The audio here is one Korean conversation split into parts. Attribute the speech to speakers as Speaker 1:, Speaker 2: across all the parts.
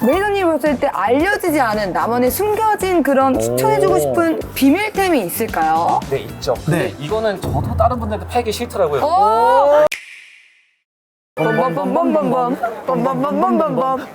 Speaker 1: 매니저님이 봤을 때 알려지지 않은 나만의 숨겨진 그런 추천해주고 싶은 비밀템이 있을까요?
Speaker 2: 네, 있죠. 근데 이거는 저도 다른 분들한테 팔기 싫더라고요.
Speaker 1: 빰빰빰빰빰빰 빰빰빰빰빰빰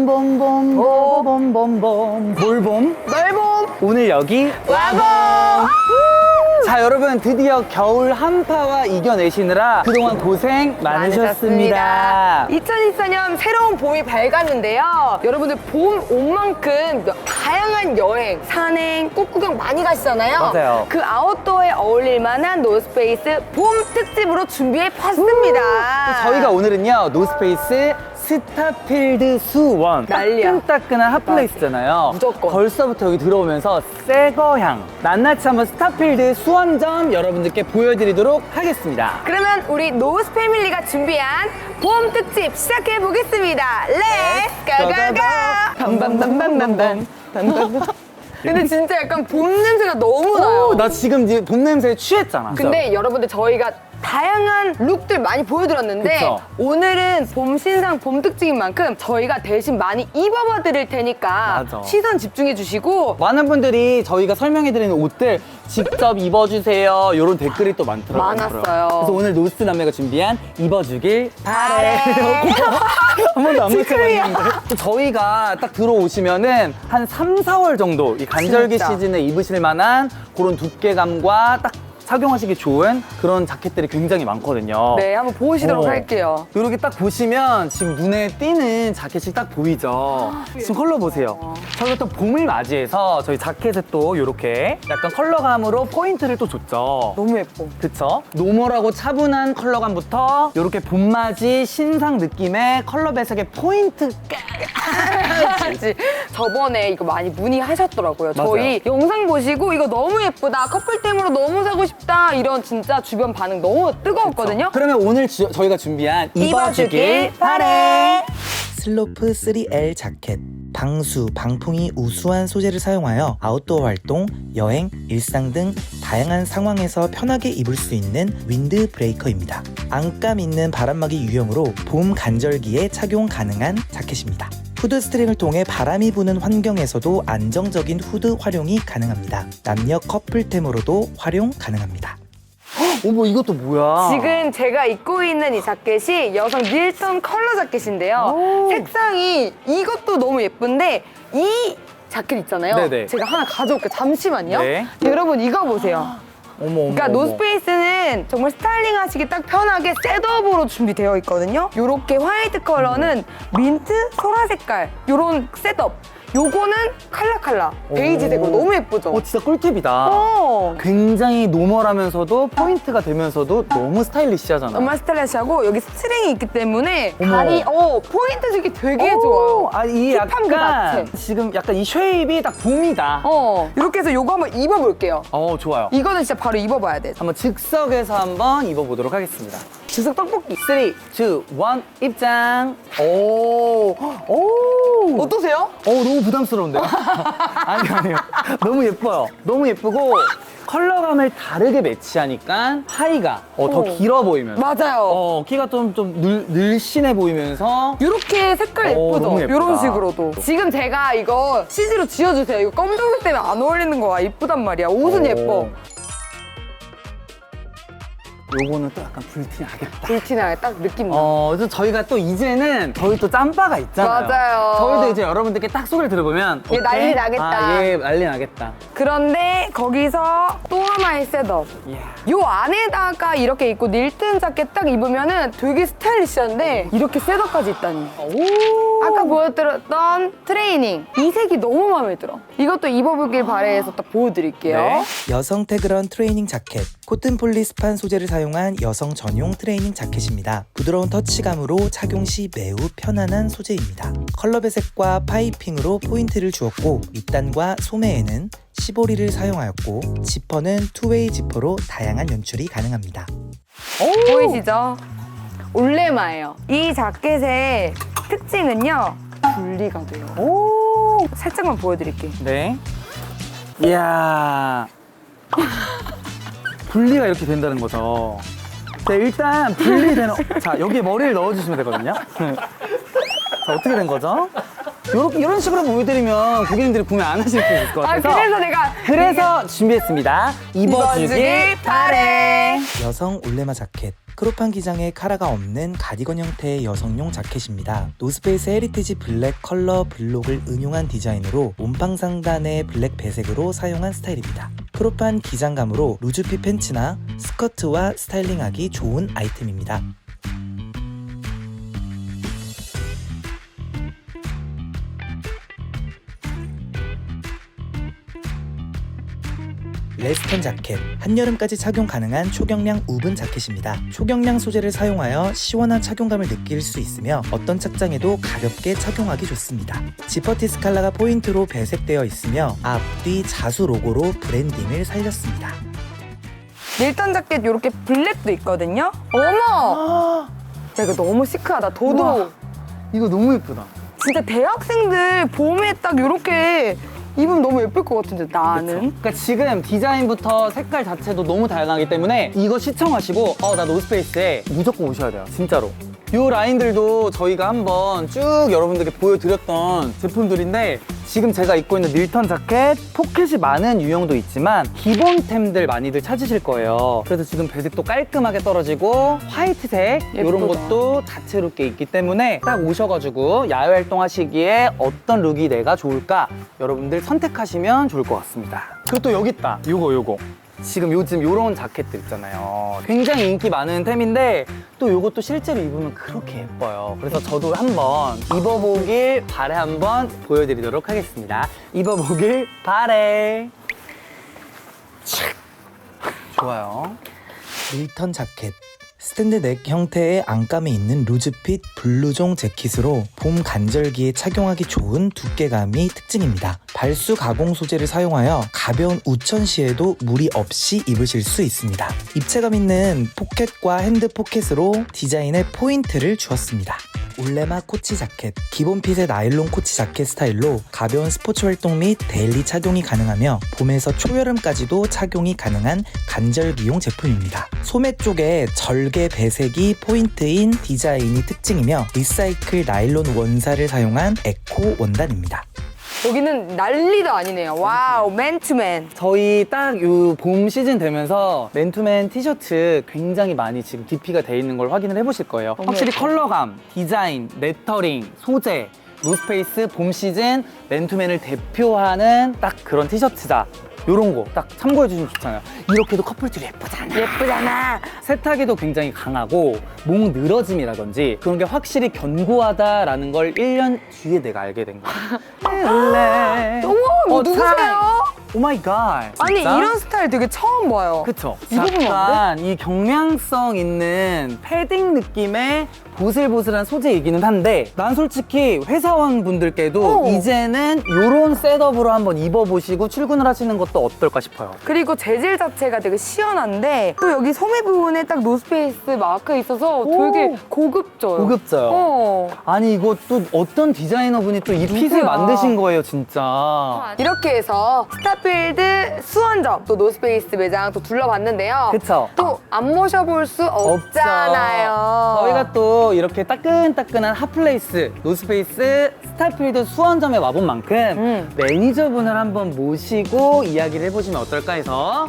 Speaker 3: 범범범범범범범 몰봄
Speaker 1: 넓봄
Speaker 3: 오늘 여기
Speaker 1: 와봄.
Speaker 3: 자 여러분 드디어 겨울 한파와 이겨내시느라 그동안 고생 많으셨습니다.
Speaker 1: 2024년 새로운 봄이 밝았는데요. 여러분들 봄 온 만큼 다양한 여행, 산행, 꽃구경 많이 가시잖아요.
Speaker 3: 맞아요.
Speaker 1: 그 아웃도어에 어울릴 만한 노스페이스 봄 특집으로 준비해 봤습니다.
Speaker 3: 저희가 오늘은요 노스페이스 스타필드 수원
Speaker 1: 난리야.
Speaker 3: 따끈따끈한 핫플레이스잖아요.
Speaker 1: 무조건.
Speaker 3: 벌써부터 여기 들어오면서 새거향 낱낱이 한번 스타필드 수원점 여러분들께 보여드리도록 하겠습니다.
Speaker 1: 그러면 우리 노스 패밀리가 준비한 봄 특집 시작해 보겠습니다. 렛츠 고고고! 밤밤밤밤밤밤. 근데 진짜 약간 봄 냄새가 너무 나요.
Speaker 3: 나 지금 이제 봄 냄새에 취했잖아.
Speaker 1: 근데 여러분들 저희가 다양한 룩들 많이 보여드렸는데
Speaker 3: 그쵸.
Speaker 1: 오늘은 봄 신상 봄 특집인 만큼 저희가 대신 많이 입어봐 드릴 테니까
Speaker 3: 맞아.
Speaker 1: 시선 집중해 주시고
Speaker 3: 많은 분들이 저희가 설명해드리는 옷들 직접 입어주세요 이런 댓글이 또 많더라고요.
Speaker 1: 많았어요.
Speaker 3: 그래서 오늘 노스 남매가 준비한 입어주길 바래. 한 번도 안
Speaker 1: 시크릿이야.
Speaker 3: 맞춰봤는데 저희가 딱 들어오시면은 한 3, 4월 정도 이 간절기
Speaker 1: 진짜.
Speaker 3: 시즌에 입으실 만한 그런 두께감과 딱 착용하시기 좋은 그런 자켓들이 굉장히 많거든요.
Speaker 1: 네, 한번 보시도록 할게요.
Speaker 3: 이렇게 딱 보시면 지금 눈에 띄는 자켓이 딱 보이죠? 지금 컬러 보세요. 저희가 또 봄을 맞이해서 저희 자켓에 또 이렇게 약간 컬러감으로 포인트를 또 줬죠.
Speaker 1: 너무 예뻐.
Speaker 3: 그쵸? 노멀하고 차분한 컬러감부터 이렇게 봄맞이 신상 느낌의 컬러 배색의 포인트
Speaker 1: 그치? 저번에 이거 많이 문의하셨더라고요.
Speaker 3: 맞아요.
Speaker 1: 저희 영상 보시고 이거 너무 예쁘다. 커플템으로 너무 사고 싶다. 이런 진짜 주변 반응 너무 뜨거웠거든요.
Speaker 3: 그러면 오늘 저희가 준비한
Speaker 1: 입어주길 바래.
Speaker 4: 슬로프 3L 자켓. 방수, 방풍이 우수한 소재를 사용하여 아웃도어 활동, 여행, 일상 등 다양한 상황에서 편하게 입을 수 있는 윈드 브레이커입니다. 안감 있는 바람막이 유형으로 봄 간절기에 착용 가능한 자켓입니다. 후드 스트링을 통해 바람이 부는 환경에서도 안정적인 후드 활용이 가능합니다. 남녀 커플템으로도 활용 가능합니다.
Speaker 3: 어머 이것도 뭐야?
Speaker 1: 지금 제가 입고 있는 이 자켓이 여성 밀턴 컬러 자켓인데요. 색상이 이것도 너무 예쁜데 이 자켓 있잖아요.
Speaker 3: 네네.
Speaker 1: 제가 하나 가져올게요. 잠시만요.
Speaker 3: 네.
Speaker 1: 여러분 이거 보세요.
Speaker 3: 어머
Speaker 1: 그러니까 노스페이스는 정말 스타일링 하시기 딱 편하게 셋업으로 준비되어 있거든요. 요렇게 화이트 컬러는 민트, 소라 색깔 요런 셋업. 요거는 칼라칼라 베이지색으로 너무 예쁘죠?
Speaker 3: 진짜 꿀팁이다.
Speaker 1: 어.
Speaker 3: 굉장히 노멀하면서도 포인트가 되면서도 너무 스타일리시하잖아.
Speaker 1: 정말 스타일리시하고 여기 스트링이 있기 때문에
Speaker 3: 어머.
Speaker 1: 다리 포인트 주기 되게 좋아요.
Speaker 3: 이
Speaker 1: 힙한 그
Speaker 3: 약간
Speaker 1: 자체.
Speaker 3: 지금 약간 이 쉐입이 딱 봄이다.
Speaker 1: 이렇게 해서 요거 한번 입어볼게요.
Speaker 3: 좋아요.
Speaker 1: 이거는 진짜 바로 입어봐야 돼.
Speaker 3: 한번 즉석에서 한번 입어보도록 하겠습니다.
Speaker 1: 즉석 떡볶이.
Speaker 3: 3, 2, 1 입장.
Speaker 1: 어떠세요?
Speaker 3: 너무 부담스러운데요? 아니요. 너무 예뻐요. 너무 예쁘고 컬러감을 다르게 매치하니까 하의가 더 길어 보이면서
Speaker 1: 맞아요.
Speaker 3: 키가 좀 늘씬해 보이면서
Speaker 1: 이렇게 색깔 예쁘죠?
Speaker 3: 너무 예쁘다.
Speaker 1: 이런 식으로도. 지금 제가 이거 CG로 지어주세요. 이거 검정색 때문에 안 어울리는 거야. 이쁘단 말이야. 옷은 예뻐.
Speaker 3: 요거는 또 약간 불티나겠다.
Speaker 1: 불티나게 딱 느낌 나.
Speaker 3: 그래서 저희가 또 이제는 저희 또 짬바가 있잖아요.
Speaker 1: 맞아요.
Speaker 3: 저희도 이제 여러분들께 딱 소개를 들어보면
Speaker 1: 얘 난리 나겠다.
Speaker 3: 얘 난리 나겠다.
Speaker 1: 그런데 거기서 또 하나의 셋업.
Speaker 3: 이야.
Speaker 1: 요 안에다가 이렇게 입고 닐튼 자켓 딱 입으면은 되게 스타일리시한데 이렇게 셋업까지 있다니. 아까 보여드렸던 트레이닝. 이 색이 너무 마음에 들어. 이것도 입어보길 바래해서 딱 보여드릴게요.
Speaker 3: 네.
Speaker 4: 여성 태그런 트레이닝 자켓. 코튼 폴리스판 소재를 사용한 여성 전용 트레이닝 자켓입니다. 부드러운 터치감으로 착용 시 매우 편안한 소재입니다. 컬러 배색과 파이핑으로 포인트를 주었고 밑단과 소매에는 시보리를 사용하였고 지퍼는 투웨이 지퍼로 다양한 연출이 가능합니다.
Speaker 1: 보이시죠? 올레마예요. 이 자켓의 특징은요. 분리가 돼요. 살짝만 보여드릴게요.
Speaker 3: 네. 이야. 분리가 이렇게 된다는 거죠. 네, 일단 분리되는. 자, 여기에 머리를 넣어주시면 되거든요. 자, 어떻게 된 거죠? 이런 식으로 보여드리면 고객님들이 구매 안 하실 수 있을 것
Speaker 1: 아,
Speaker 3: 같아서
Speaker 1: 그래서
Speaker 3: 준비했습니다. 입어주길 바래.
Speaker 4: 여성 올레마 자켓. 크롭한 기장에 카라가 없는 가디건 형태의 여성용 자켓입니다. 노스페이스 헤리티지 블랙 컬러 블록을 응용한 디자인으로 몸빵 상단의 블랙 배색으로 사용한 스타일입니다. 크롭한 기장감으로 루즈핏 팬츠나 스커트와 스타일링하기 좋은 아이템입니다. 레스턴 자켓, 한여름까지 착용 가능한 초경량 우븐 자켓입니다. 초경량 소재를 사용하여 시원한 착용감을 느낄 수 있으며 어떤 착장에도 가볍게 착용하기 좋습니다. 지퍼티 스칼라가 포인트로 배색되어 있으며 앞, 뒤 자수 로고로 브랜딩을 살렸습니다.
Speaker 1: 밀턴 자켓 이렇게 블랙도 있거든요. 어머! 야, 이거 너무 시크하다. 도도.
Speaker 3: 우와. 이거 너무 예쁘다.
Speaker 1: 진짜 대학생들 봄에 딱 이렇게 입으면 너무 예쁠 것 같은데 나는.
Speaker 3: 그러니까 지금 디자인부터 색깔 자체도 너무 다양하기 때문에 이거 시청하시고 나 노스페이스에 무조건 오셔야 돼요. 진짜로. 이 라인들도 저희가 한번 쭉 여러분들께 보여드렸던 제품들인데 지금 제가 입고 있는 밀턴 자켓 포켓이 많은 유형도 있지만 기본템들 많이들 찾으실 거예요. 그래서 지금 배색도 깔끔하게 떨어지고 화이트색 이런
Speaker 1: 예쁘다.
Speaker 3: 것도 다채롭게 있기 때문에 딱 오셔가지고 야외 활동하시기에 어떤 룩이 내가 좋을까 여러분들 선택하시면 좋을 것 같습니다. 그리고 또 여기 있다. 요거 지금 요즘 요런 자켓들 있잖아요. 굉장히 인기 많은 템인데 또 요것도 실제로 입으면 그렇게 예뻐요. 그래서 저도 한번 입어보길 바래 한번 보여드리도록 하겠습니다. 입어보길 바래. 좋아요.
Speaker 4: 밀턴 자켓. 스탠드 넥 형태의 안감이 있는 루즈핏 블루종 재킷으로 봄 간절기에 착용하기 좋은 두께감이 특징입니다. 발수 가공 소재를 사용하여 가벼운 우천 시에도 무리 없이 입으실 수 있습니다. 입체감 있는 포켓과 핸드 포켓으로 디자인에 포인트를 주었습니다. 올레마 코치 자켓. 기본 핏의 나일론 코치 자켓 스타일로 가벼운 스포츠 활동 및 데일리 착용이 가능하며 봄에서 초여름까지도 착용이 가능한 간절기용 제품입니다. 소매 쪽에 절개 배색이 포인트인 디자인이 특징이며 리사이클 나일론 원사를 사용한 에코 원단입니다.
Speaker 1: 여기는 난리도 아니네요. 와우, 맨투맨.
Speaker 3: 저희 딱 요 봄 시즌 되면서 맨투맨 티셔츠 굉장히 많이 지금 DP가 돼 있는 걸 확인을 해보실 거예요.
Speaker 1: 너무
Speaker 3: 확실히
Speaker 1: 예뻐.
Speaker 3: 컬러감, 디자인, 레터링, 소재, 노스페이스 봄 시즌 맨투맨을 대표하는 딱 그런 티셔츠다. 요런 거 딱 참고해 주시면 좋잖아요. 이렇게도 커플줄이 예쁘잖아.
Speaker 1: 예쁘잖아.
Speaker 3: 세탁에도 굉장히 강하고 목 늘어짐이라든지 그런 게 확실히 견고하다라는 걸 1년 뒤에 내가 알게 된 거야.
Speaker 1: 어머, 누구세요?
Speaker 3: 오 마이 갓.
Speaker 1: 아니, 이런 스타일 되게 처음 봐요.
Speaker 3: 그쵸?
Speaker 1: 입어보면
Speaker 3: 약간 이 경량성 있는 패딩 느낌의 보슬보슬한 소재이기는 한데 난 솔직히 회사원 분들께도 이제는 이런 셋업으로 한번 입어보시고 출근을 하시는 것도 어떨까 싶어요.
Speaker 1: 그리고 재질 자체가 되게 시원한데 또 여기 소매 부분에 딱 노스페이스 마크 있어서 되게 고급져요.
Speaker 3: 고급져요. 아니 이거 또 어떤 디자이너분이 또 이 핏을
Speaker 1: 누구야?
Speaker 3: 만드신 거예요 진짜.
Speaker 1: 이렇게 해서 스타필드 수원점 또 노스페이스 매장 또 둘러봤는데요.
Speaker 3: 그쵸?
Speaker 1: 또 안 모셔볼 수 없잖아요.
Speaker 3: 저희가 또 이렇게 따끈따끈한 핫플레이스 노스페이스 스타필드 수원점에 와본 만큼 매니저분을 한번 모시고 이야기를 해보시면 어떨까 해서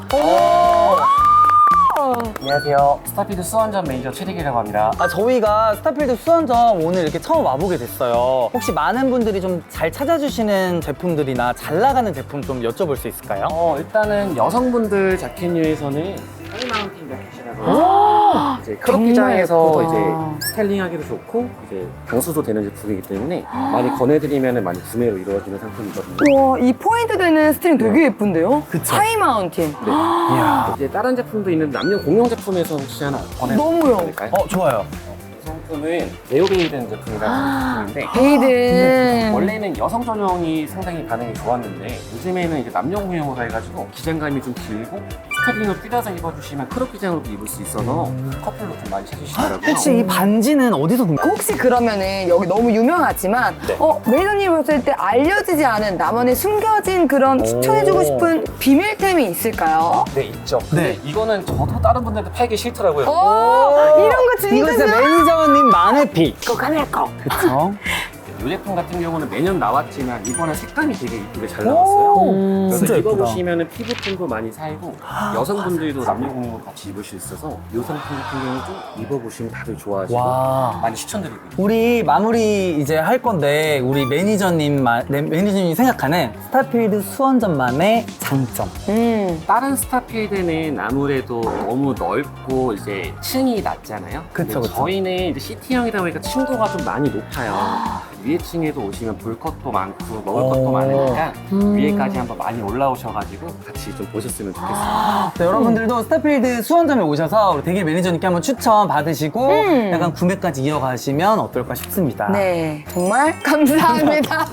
Speaker 2: 안녕하세요. 스타필드 수원점 매니저 최대기라고 합니다.
Speaker 3: 저희가 스타필드 수원점 오늘 이렇게 처음 와보게 됐어요. 혹시 많은 분들이 좀 잘 찾아주시는 제품들이나 잘 나가는 제품 좀 여쭤볼 수 있을까요?
Speaker 2: 일단은 여성분들 자켓류에서는 하이마운틴 자켓이라고 이제 크롭 기장에서 이제 스타일링하기도 좋고 이제 방수도 되는 제품이기 때문에 많이 권해드리면 많이 구매로 이루어지는 상품이거든요.
Speaker 1: 와, 이 포인트 되는 스트링 되게 예쁜데요?
Speaker 3: 그쵸?
Speaker 1: 하이마운틴.
Speaker 3: 이야.
Speaker 2: 이제 다른 제품도 있는 남녀 공용 제품에서 혹시 하나
Speaker 1: 너무요.
Speaker 2: 권해드릴까요?
Speaker 3: 좋아요.
Speaker 2: 이 상품은 네오베이든 제품이라는 제품인데
Speaker 1: 베이든.
Speaker 2: 원래는 여성 전용이 상당히 반응이 좋았는데 요즘에는 이제 남녀 공용으로 해가지고 기장감이 좀 길고 스타일링을 뛰어서 입어주시면 크롭 기장으로도 입을 수 있어서 커플로 좀 많이 찾으시더라고요.
Speaker 3: 혹시 이 반지는 어디서 구매?
Speaker 1: 혹시 그러면은 여기 너무 유명하지만 매니저님 봤을 때 알려지지 않은 나만의 숨겨진 그런 추천해주고 싶은 비밀템이 있을까요?
Speaker 2: 네, 있죠.
Speaker 3: 네.
Speaker 2: 근데 이거는 저도 다른 분들한테 팔기 싫더라고요.
Speaker 1: 이런 거 진짜
Speaker 3: 이거 진짜
Speaker 1: 좋아.
Speaker 3: 매니저님 만의 픽.
Speaker 1: 그거 카메라 꺼.
Speaker 3: 그쵸?
Speaker 2: 이 제품 같은 경우는 매년 나왔지만 이번에 색감이 되게 이쁘게 잘 나왔어요. 그래서
Speaker 3: 진짜 예쁘다.
Speaker 2: 입어보시면 피부톤도 많이 살고 여성분들도 남녀공용 같이 입을 수 있어서 이 상품 같은 경우는 좀 입어보시면 다들 좋아하시고
Speaker 3: 와.
Speaker 2: 많이 추천드리고 있어요.
Speaker 3: 우리 마무리 이제 할 건데 우리 매니저님이 생각하는 스타필드 수원점만의 장점.
Speaker 2: 다른 스타필드는 아무래도 너무 넓고 이제 층이 낮잖아요.
Speaker 3: 그쵸,
Speaker 2: 근데
Speaker 3: 그쵸.
Speaker 2: 저희는 이제 시티형이다 보니까 층고가 좀 많이 높아요. 위에 층에도 오시면 볼 것도 많고 먹을 것도 많으니까 위에까지 한번 많이 올라오셔가지고 같이 좀 보셨으면 좋겠어요.
Speaker 3: 네, 여러분들도 스타필드 수원점에 오셔서 우리 대길 매니저님께 한번 추천 받으시고 약간 구매까지 이어가시면 어떨까 싶습니다.
Speaker 1: 네, 정말 감사합니다.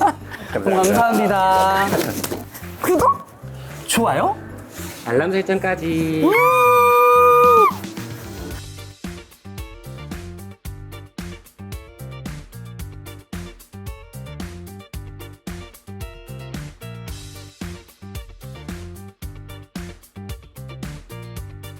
Speaker 3: 감사합니다.
Speaker 1: 구독!
Speaker 3: 좋아요?
Speaker 2: 알람 설정까지.